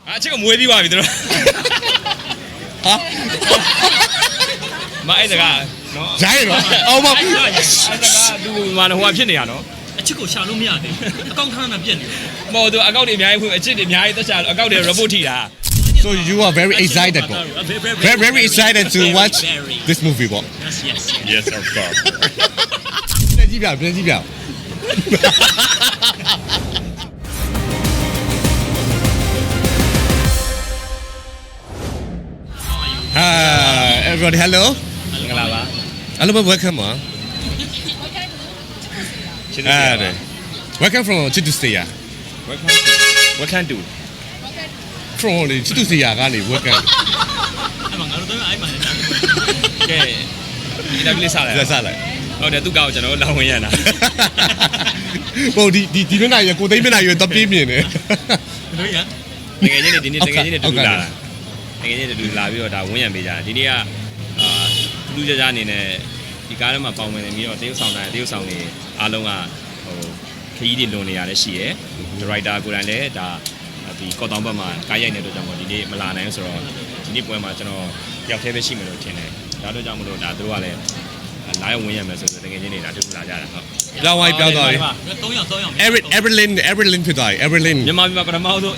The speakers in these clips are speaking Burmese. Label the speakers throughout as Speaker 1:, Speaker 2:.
Speaker 1: အချစ်ကမွေးပြီးပါပြီတို့ဟာမအဲ့ဒါကနော်
Speaker 2: ရိုင်းတော့အောင်မ
Speaker 1: အဲ့ဒါကသူမနဟိုကဖြစ်နေရနော်
Speaker 3: အချစ်ကိုရှာလို့မရတယ်အကောင့်ခဏပြက်နေ
Speaker 1: မဟုတ်သူအကောက်တွေအများကြီးအချစ်တွေအများကြီးတက်ချာအကောက်တွေ report ထိတာ
Speaker 2: So you are very excited very excited to watch this movie what
Speaker 1: Yes of course
Speaker 2: ပြန်ကြည့်ပြeverybody hello
Speaker 1: မင်္ဂလာပါ
Speaker 2: hello welcome welcome from Chitustaya
Speaker 1: welcome to
Speaker 2: from Chitustaya ကနေ welcome
Speaker 3: အဲ့မှာငါတို့တော့အဲ့မှာလည်းတာ
Speaker 1: ကဲဒီတော့လေးစားလိုက်ဟုတ်တယ်သူကောက်ကျွန်တော်လောင်းဝင်ရတာ
Speaker 2: ဟုတ်ဒီမျက်နှာရကိုသိမ်းမျက်နှာရတော့ပြေးမြင်တယ်
Speaker 3: တို့ရ
Speaker 1: တကယ်ချင်းဒီနေ့တကယ်ချင်းတူလာတာတကယ်ချင်းတူလာပြီးတော့ဒါဝန်းရံပေးကြတာဒီနေ့ကလူကြကြအနေနဲ့ဒီကားထဲမှာပေါင်ဝင်နေပြီးတော့တရုတ်ဆောင်နေအားလုံးကဟိုခရီးတွေလွန်နေရတယ်ရှိရယ်ဒါရိုက်တာကိုယ်တိုင်လည်းဒါဒီကော့တောင်ဘက်မှာကားရိုက်နေတဲ့အတွက်ကြောင့်မို့ဒီနေ့မလာနိုင်ဆိုတော့ဒီနေ့ပွဲမှာကျွန်တော်တယောက်တည်းပဲရှိမယ်လို့ထင်တယ်ဒါတို့ကြောင့်မလို့ဒါတို့ကလည်းလာရောက်ဝင်ရမယ်ဆိုတော့တကယ်ချင်းနေတာတူလာကြတာဟုတ်
Speaker 2: ပြောင်းသွားပြီ
Speaker 3: 3ယောက်
Speaker 2: Everlyn ဖြစ်သွားပြီ Everlyn
Speaker 1: မြန်မာပြည်မှာပထမဆုံး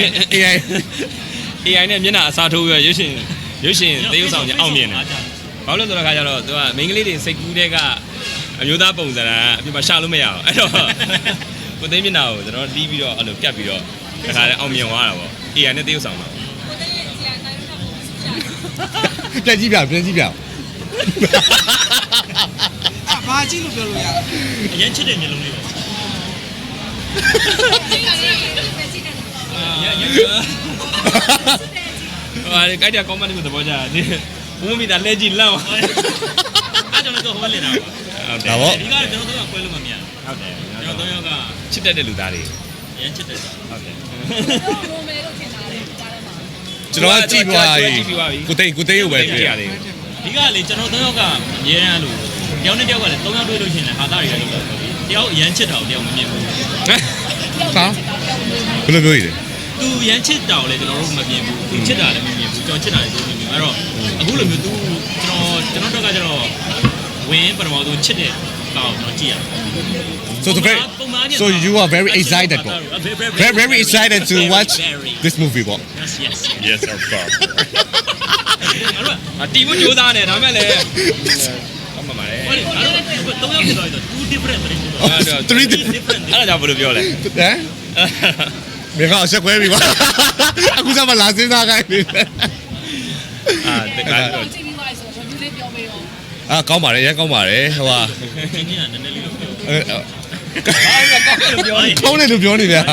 Speaker 1: AI နဲ့မျက်နှာအစားထိုးပြီးရွှေရှင်သေယုတ်ဆောင်ကြီးအောင်မြင်တယ်ဘာလို့လဲဆိုတော့ခါကျတော့သူကမိန်းကလေးတွေစိတ်ကူးတဲ့ကအမျိုးသားပုံစံအပြစ်မှာရှာလို့မရအောင်အဲ့တော့ကိုသိန်းမျက်နှာကိုကျွန်တော်တီးပြီးတော့အဲ့လိုကတ်ပြီးတော့တခါလဲအောင်မြင်သွားတာပေါ့ AI နဲ့သေယုတ်ဆောင်တော့
Speaker 2: ပြန်ကြည့်ပြ
Speaker 4: ဘာကြည့်လို့ပြောလို့ရ
Speaker 3: အရင်ချစ်တဲ့မျိုးလုံးလေးပဲ
Speaker 1: ဟာဒီကြိုက်တဲ့ comment ကိုသဘောကျတယ်ဘုံမိတာလဲကြည့်လောက်
Speaker 3: အဲ့ကြောင့်လည်းတော့ဟိုဘက်လက်တာ
Speaker 1: ဟုတ်တယ်
Speaker 2: ဒါပေါ့
Speaker 3: ဒီကားကျွန်တော်တို့ကကွဲလို့မမြင်
Speaker 1: ဟုတ်တယ်
Speaker 3: ကျွန်တော်တို့က
Speaker 1: ချစ်တတ်တဲ့လူသားတွေ
Speaker 3: အရင်ချစ်တယ်
Speaker 1: ဟုတ်တယ်
Speaker 4: ရိုမဲလို့ထင်တာလေကြားထဲမှာ
Speaker 2: ကျွန်တော်ကြည့်သွားပြီကိုသိန်းကိုပဲတွေ့ရတယ်
Speaker 3: ဒီကလေကျွန်တော်3ယောက်ကအများအားလို့တယောက်နဲ့တယောက်ကလည်း3ယောက်တွေ့လို့ရှိရင်လည်းဟာသားတွေလည်းလုပ်တော့တယောက်အရန်ချစ်တာကိုတယောက်မမြင်ဘူး
Speaker 2: ဟာဘယ်လိုပြောရလဲ
Speaker 3: သူရန်ချစ်တာကိုလည်းကျွန်တော်တို့မမြင်ဘူးသူချစ်တာလည်းမမြင်ဘူးကျွန်တော်ချစ်တာလည်းသူမမြင်ဘူးအဲ့တော့အခုလိုမျိုးသူကျွန်တော်တို့ကကျတော့ဝင်ပထမဆုံးချစ်တဲ့ကောင်ကျွန်တော်ကြည့်ရတယ်
Speaker 2: So you are very excited very excited to watch this movie what
Speaker 1: Yes of course တီးဖို့ကြိုးစားနေဒါမဲ့လည်းဟုတ်မှာပါလေ
Speaker 3: 3ယောက်ဖြစ်သွားပြီ2 different
Speaker 2: 3 different
Speaker 1: အဲ့ဒါကြောင့်ဘယ်လိုပြောလဲ
Speaker 2: ဟမ်မင်းကအဆက်ခွဲပြီပါအခုစမှလာစင်းစားခိုင်းနေတယ်
Speaker 1: တကယ်တော့
Speaker 4: ကြည့်ပြီးသွားဆိုတော့ review လေးပြောပေးရော
Speaker 2: ကောင်းပါတယ်ရမ်းကောင်းပါတယ်ဟိုဟာ
Speaker 3: ဒီနေ့ကနည်းနည်းလေးလို့ပြော
Speaker 2: ကောင်းတယ်လို့ပြောနေဗျာ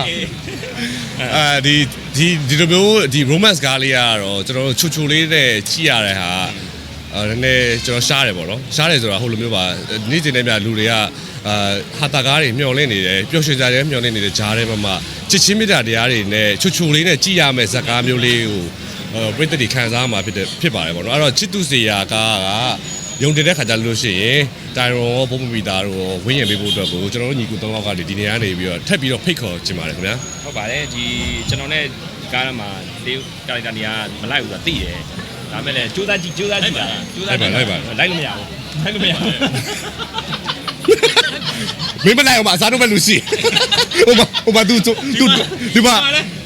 Speaker 2: ဒီလိုမျိုးဒီ romance ကားလေးကတော့ကျွန်တော်တို့ချူလေးနဲ့ကြည့်ရတဲ့ဟာနည်းနည်းကျွန်တော်ရှားတယ်ပေါ့နော်ရှားတယ်ဆိုတာဟိုလိုမျိုးပါနေ့စဉ်နဲ့မြလူတွေကဟာတာကားတွေမျောလင့်နေတယ်ပျော်ရွှင်ကြတယ်မျောလင့်နေတဲ့ဂျားထဲမှာချစ်ချင်းမြတ်တရားတွေနဲ့ချူလေးနဲ့ကြည့်ရမယ့်ဇာတ်ကားမျိုးလေးကိုပရိသတ်တွေခံစားမှာဖြစ်ပါတယ်ပေါ့နော်အဲ့တော့ချစ်သူစေရာကားကယုံတင်တဲ့ခါကြလို့ရှိရင်တိုင်ရွန်ရောဘုံမမီတာတို့ဝင်းရင်ပေးဖို့အတွက်ကိုကျွန်တော်တို့ညီကူ3ယောက်ကနေဒီနေရာနေပြီးတော့ထပ်ပြီးတော့ဖိတ်ခေါ်ချင်ပါတယ်ခင်ဗျာ
Speaker 1: ဟုတ်ပါတယ်ဒီကျွန်တော်နဲ့ကားထဲမှာတေးကာရက်တာနေရာမလိုက်ဘူးဆိုတာသိတယ်ဒါမဲ့လည်းကြိုးစားကြည့်ပါလိုက်လို့မရဘူး
Speaker 2: မင်းမလိုက်အောင်အစားတော့ပဲလူရှိဟိုမှာသူဒီမှာ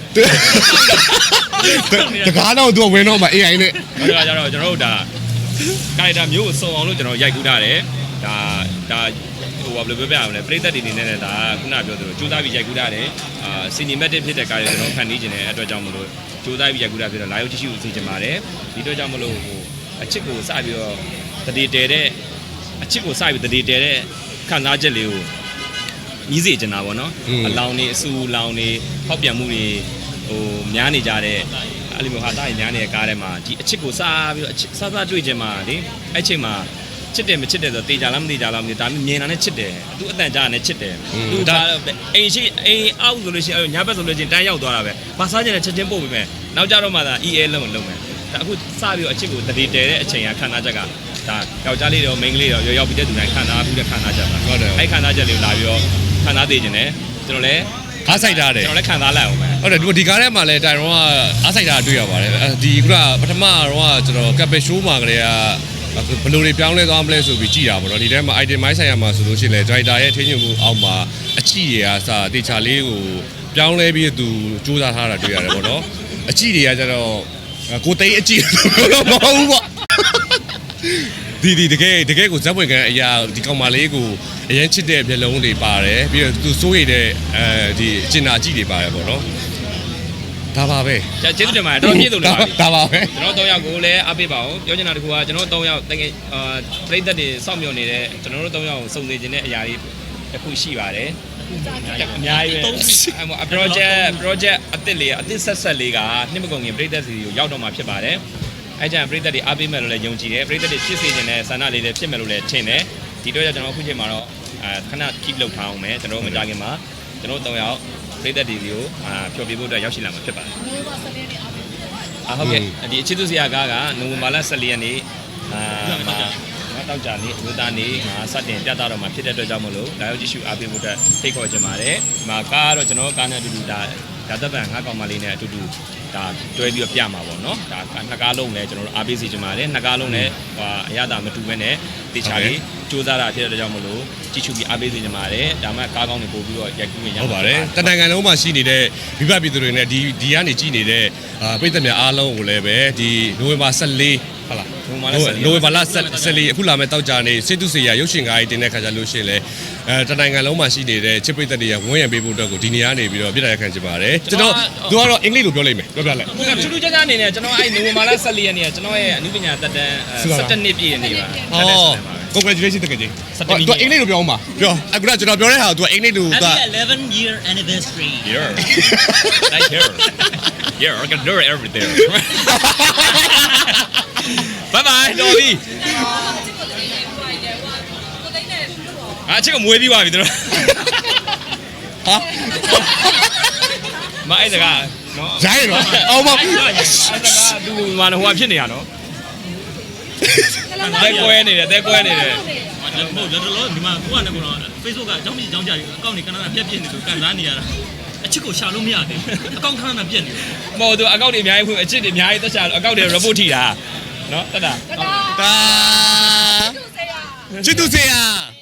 Speaker 2: တကားတော့သူဝင်တော့မှာ AI နဲ့
Speaker 1: ဒါကြတော့ကျွန်တော်တို့ဒါကာရက်တာမျိုးကိုစုံအောင်လို့ကျွန်တော်ရိုက်ကူးထားတယ်ဒါဟိုဘာလို့ပြောပြရမလဲပရိသတ်တွေနေနဲ့ဒါခုနပြောသလိုကြိုးစားပြီးရိုက်ကူးထားတယ်cinematic ဖြစ်တဲ့ကားတွေကျွန်တော်ဖန်တီးခြင်းတဲ့အတွက်ကြောင့်မလို့ကြိုးစားပြီးရိုက်ကူးထားဖြစ်တော့လာရောက်ကြည့်ရှုစေချင်ပါတယ်ဒီအတွက်ကြောင့်မလို့ဟိုအချစ်ကိုစပြီးတော့တတိတဲတဲ့အချစ်ကိုစပြီးတတိတဲတဲ့ခံစားချက်လေးကိုညီးစေချင်တာပေါ့နော်အလောင်းနေအဆူလောင်းနေဟောက်ပြန်မှုတွေဟိုများနေကြတဲ့အဲ့လိုမျိုးဟာသားရများနေတဲ့ကားထဲမှာဒီအချစ်ကိုစားပြီးတော့စားတွေ့ခြင်းမှာလေအဲ့ချိန်မှာချစ်တယ်မချစ်တယ်ဆိုတေချာလားမတေချာလားမသိဒါမြင်တာနဲ့ချစ်တယ်သူအတန်ကြားနဲ့ချစ်တယ်သူဒါအိမ်အောက်ဆိုလို့ရှိရင်ညဘက်ဆိုလို့ရှိရင်တန်းရောက်သွားတာပဲမစားချင်တဲ့ချက်ချင်းပို့ပြီးမယ်နောက်ကြတော့မှသာ EA လုံးမယ်ဒါအခုစပြီးတော့အချစ်ကိုတတိတဲတဲ့အချိန်ကခံစားချက်ကဒါယောက်ျားလေးတော့မိန်းကလေးတော့ရောက်ပြီးတဲ့သူတိုင်းခံစားပြီးတဲ့ခံစားချက်ပါ
Speaker 2: ဟုတ်တယ်
Speaker 1: အဲ့ခံစားချက်လေးကိုလာပြီးတော့ခံစားသိခြင်းနဲ့ကျွန်တော်လည်း
Speaker 2: အားဆိုင်ထားတယ်
Speaker 1: ကျွန်တော်လည်းခံစားလိုက်အောင်ပဲ
Speaker 2: ဟုတ်တယ်ဒီကားထဲမှာလည်းတိုင်ရောကအားဆိုင်တာတွေ့ရပါတယ်ဒီကပထမတော့ကျွန်တော်ကပ်ပရှိုးမှာကလေးကဘယ်လိုတွေပြောင်းလဲသွားမလဲဆိုပြီးကြည်တာပေါ့နော်ဒီထဲမှာ item မိုင်းဆိုင်ရမှာဆိုလို့ရှိရင်လည်း driver ရဲ့ထင်းညွှန်မှုအောက်မှာအကြည့်တွေကစတေချာလေးကိုပြောင်းလဲပြီးသူစူးစမ်းထားတာတွေ့ရတယ်ပေါ့နော်အကြည့်တွေကကျတော့ကိုသိန်းအကြည့်တော့မဟုတ်ဘူးပေါ့ဒီတကယ်ကိုဇက်ဝင်ကန်အရာဒီကောင်မလေးကိုအရင်ချစ်တဲ့မျက်လုံးတွေပါတယ်ပြီးတော့သူစိုးရိမ်တဲ့ဒီအကျဉ်းအကြည့်တွေပါတယ်ပေါ့နော်ဒါပါပဲ
Speaker 1: ကျေးဇူးတင်ပါတယ်တော့ပြည့်စုံလာပြီ
Speaker 2: ဒါပါပဲ
Speaker 1: ကျွန်တော်၃ယောက်ကိုလည်းအားပေးပါအောင်ပြောချင်တာတခုကကျွန်တော်၃ယောက်တကယ်ပရိသတ်တွေစောင့်မျှော်နေတဲ့ကျွန်တော်တို့၃ယောက်ကိုစုံစည်ခြင်းတဲ့အရာတွေတစ်ခုရှိပါတယ်အများကြီးပဲ project အသစ်လေးအသစ်ဆက်လေးကနှစ်မကုန်ခင်ပရိသတ်စီကိုရောက်တော့မှာဖြစ်ပါတယ်အဲကြောင့်ပရိသတ်တွေအားပေးမယ်လို့လည်းယုံကြည်တယ်ပရိသတ်တွေဖြစ်စေခြင်းနဲ့ဆန္ဒလေးတွေဖြစ်မယ်လို့လည်းထင်တယ်ဒီတော့ကျွန်တော်အခုချိန်မှာတော့ခဏ keep လုပ်ထားအောင်မယ်ကျွန်တော်မကြခင်မှာကျွန်တော်၃ယောက်ပရိသတ်တွေကိုဖြောပြဖို့အတွက်ရောက်ရှိလာမှာဖြစ်ပါတယ်
Speaker 4: ဘယ်မှာဆက်နေနေအောင်
Speaker 1: ဟုတ်ကဲ့ဒီအချစ်သူဆရာကားကနိုဝင်ဘာလ14ရက်နေ့တောက်ကြနေ့အမျိုးသားနေ့စတင်ပြသတော့မှာဖြစ်တဲ့အတွက်ကြောင့်မလို့လာရောက်ကြည့်ရှုအားပေးဖို့အတွက်ဖိတ်ခေါ်ချင်ပါတယ်ဒီမှာကားကတော့ကျွန်တော်ကားနဲ့အတူတူဒါသက်ပံငါးကောင်မလေးနဲ့အတူတူဒါတွဲပြီးတော့ပြမှာပေါ့နော်ဒါနှစ်ကားလုံးလည်းကျွန်တော်တို့အားပေးစီချင်ပါတယ်နှစ်ကားလုံးလည်းအရသာမတူဘဲနဲ့တေချာလေးစူးစမ်းတာဖြစ်တဲ့အတွက်ကြောင့်မလို့ကြည့်ရှုပြီးအားပေးစီချင်ပါတယ်ဒါမှကားကောင်းတွေပို့ပြီးတော့ရိုက်ကူးရရ
Speaker 2: ဟုတ်ပါတယ်တနိုင်ငံလုံးမှာရှိနေတဲ့မိဘပြည်သူတွေနဲ့ဒီကနေကြည်နေတဲ့ပြည်သက်များအားလုံးကိုလည်းပဲဒီနိုဝင်ဘာ14ဟုတ်လားနိုဝင်ဘာလ14အခုလာမဲ့တောက်ကြနေစေတုစေရရုပ်ရှင်ကားကြီးတင်တဲ့ခါကျလို့ရှိရင်လည်းတနိုင်ငံလုံးမှာရှိနေတဲ့ချစ်ပြည်သက်တွေကဝန်းရံပေးဖို့အတွက်ကိုဒီနေရာနေပြီးတော့ပြစ်ဒဏ်ခံချင်ပါတယ်ကျွန်တော်သူကတော့အင်္ဂလိပ်လိုပြောလိုက်မယ်ပြောပြလိုက်
Speaker 1: ထူးထူးခြားခြားအနေနဲ့ကျွန်တော်အဲ့နိုဝင်ဘာလ14ရက်နေ့ကကျွန်တော်ရဲ့အနုပညာတက်တန်း17နှစ်ပြည့်နေပါ
Speaker 2: congratulations တကယ်ကြီးသူအင်္ဂလိပ်လိုပြောအောင်ပါပြောအခုကကျွန်တော်ပြောတဲ့ဟာကသူအင်္ဂလိပ်လို
Speaker 3: Happy 11-year anniversary
Speaker 1: here like here yeah I can do everything bye bye တော်ပြီအချစ်ကမွေးပြီးပါပြီတို့ဟာမအဲ့ဒါကနော်
Speaker 2: ရိုင်းတော့အောင်ပါ
Speaker 1: အဲ့ဒါကသူ့မှာဟိုဖြစ်နေရနော်တဲကွဲနေတယ်တဲကွဲနေတယ်
Speaker 3: မဟုတ်တော်တော်ဒီမှာကိုကလည်းကတော့ Facebook ကအကြောင်းကြီးအကြောင်းကြားအကောင့်တွေကနပြက်ပြက်နေလို့ကန်စားနေရတာအချစ်ကိုရှာလို့မရသေးဘူးအကောင့်ခဏခဏပြက်နေတယ်
Speaker 1: မဟုတ်သူအကောက်တွေအများကြီးဖွင့်အချစ်တွေအများကြီးသက်ချာအကောက်တွေ report ထိတာနော်တက်တာ
Speaker 2: တာချစ်သူစေရ